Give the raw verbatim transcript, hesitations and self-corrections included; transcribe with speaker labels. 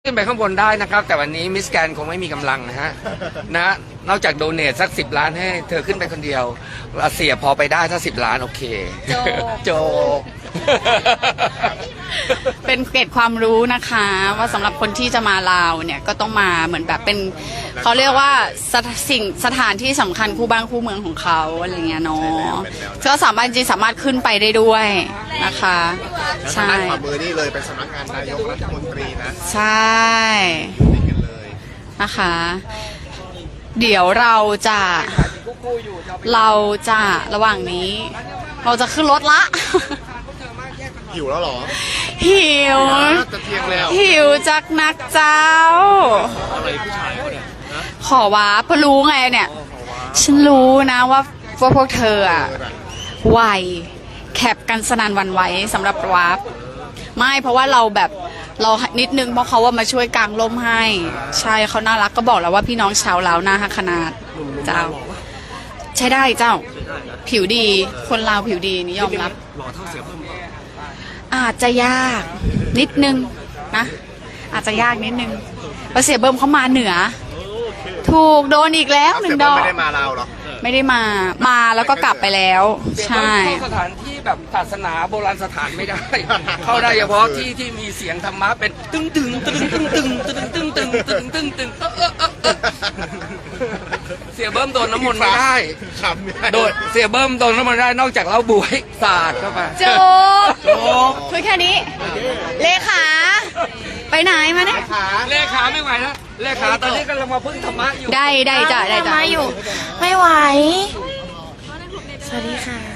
Speaker 1: ขึ้นไปข้างบนได้นะครับแต่วันนี้มิสแกนคงไม่มีกำลังนะฮะนะนอกจากโดเนทสักสิบล้านให้เธอขึ้นไปคนเดียวเสียพอไปได้ถ้าสิบล้านโอเคโจโจ
Speaker 2: เป็นเกร็ดความรู้นะคะว่าสำหรับคนที่จะมาลาวเนี่ยก็ต้องมาเหมือนแบบเป็นเขาเรียกว่าสถสิ่งสถานที่สำคัญคู่บ้านคู่เมืองของเขาอะไรเงี้ยเนาะก็สามารถจริงสามารถขึ้นไปได้ด้วยนะคะใช่
Speaker 3: ขวามือนี่เลยเป็นสำนักงานนายกรัฐมนตรีนะ
Speaker 2: ใช่นะคะเดี๋ยวเราจะเราจะระหว่างนี้ เราจะขึ้นรถละ
Speaker 3: หิวแล้วหรอ
Speaker 2: หิว
Speaker 3: จะเที่ยงแล้ว
Speaker 2: หิวจักนักเจ้า
Speaker 3: อะไรผู้ชายเขาเนี่ย
Speaker 2: ขอว้าเพราะรู้ไงเนี่ยฉันรู้นะว่าว่าพวกเธออะไวแคปกันสนานวันไว้สำหรับวาร์ปไม่เพราะว่าเราแบบเรานิดนึงเพราะเขาว่ามาช่วยกางร่มให้ใช่เขาน่ารักก็บอกแล้วว่าพี่น้องชาวลาวน่าฮักขนาดเจ้าใช้ได้เจ้าผิวดีคนลาวผิวดีนี่ยอมรับอาจจะยากนิดนึงนะอาจจะยากนิดนึงเพราะเสียเบิ้มเขามาเหนือถูกโดนอีกแล้วหนึ่งดอก
Speaker 3: ไม่ได้มาลาวหรอ
Speaker 2: ไม่ได้มามาแล้วก็กลับไปแล้วใช่
Speaker 1: เข้าสถานที่แบบศาสนาโบราณสถานไม่ได้เข้าได้เฉพาะที่ที่มีเสียงธรรมะเป็นตึ้งตึงตึ้งตึงตึงตึงตึงตึงตึงตึงตึงเสียเบิ้มโดนน้ำมนต์ไม่ได้โดนเสียเบิ้มโดนน้ำมนต์ได้นอกจากเราบวยศาสตร์เข้าไป
Speaker 2: จบคุยแค่นี้เลขาไปไหนมาเนี่ย
Speaker 1: เลขาไม่ไหวแล้วเลขาตอนนี้กำลังมาพึ่งธรรมะอยู่
Speaker 2: ได้ได้จ้ะได้จ้ะ
Speaker 4: มาอยู่ไม่ไหวสวัสดีค่ะ